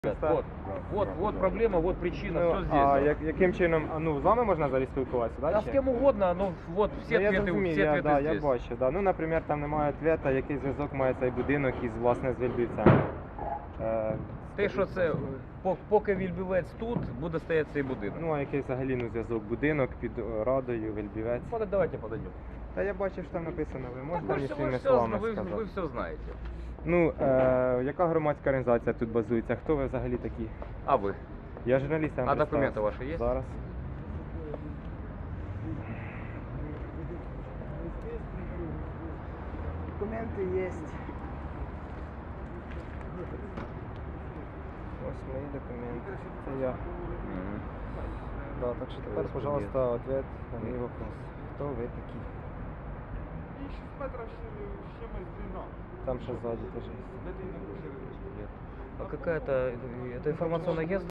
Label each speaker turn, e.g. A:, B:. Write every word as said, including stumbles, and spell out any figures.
A: Вот, вот, вот проблема, вот причина,
B: Ну,
A: все здесь.
B: а
A: да.
B: як, яким чином, а, ну, з вами можна взагалі спілкуватися, да?
A: Да
B: чи?
A: с кем угодно, но вот все
B: Ну, я
A: ответы,
B: зрозумів,
A: все
B: я,
A: ответы
B: да, я
A: здесь.
B: бачу. Да. Ну, наприклад, там немає відповіді, який зв'язок має цей будинок із, власне, з Вільбівцями. Е,
A: Те, що це, по- поки Вільбівець тут, буде стояти цей будинок.
B: Ну, а який взагалі ну, зв'язок? Будинок під е, Радою, Вільбівець.
A: Вот, давайте подойдем.
B: Та я бачив, що там написано, ви
A: Так
B: можете
A: вы,
B: мені
A: ж- вы,
B: своїми
A: все,
B: словами
A: вы,
B: сказати?
A: вы все знаете.
B: Ну, е, яка громадська організація тут базується? Хто ви взагалі такі?
A: А вы?
B: Я журналіст, я вам
A: А документы
B: представився.
A: ваши есть?
B: Зараз. Документи є. Ось мої документи. Це я.
A: Мгм.
B: Да, так що тепер,
A: Ось
B: пожалуйста, ответ на мій вопрос. Хто ви такі?
C: шесть метров с чем-то длина.
B: Там ще ззаді теж є.
A: А какая-то, это информационное агентство?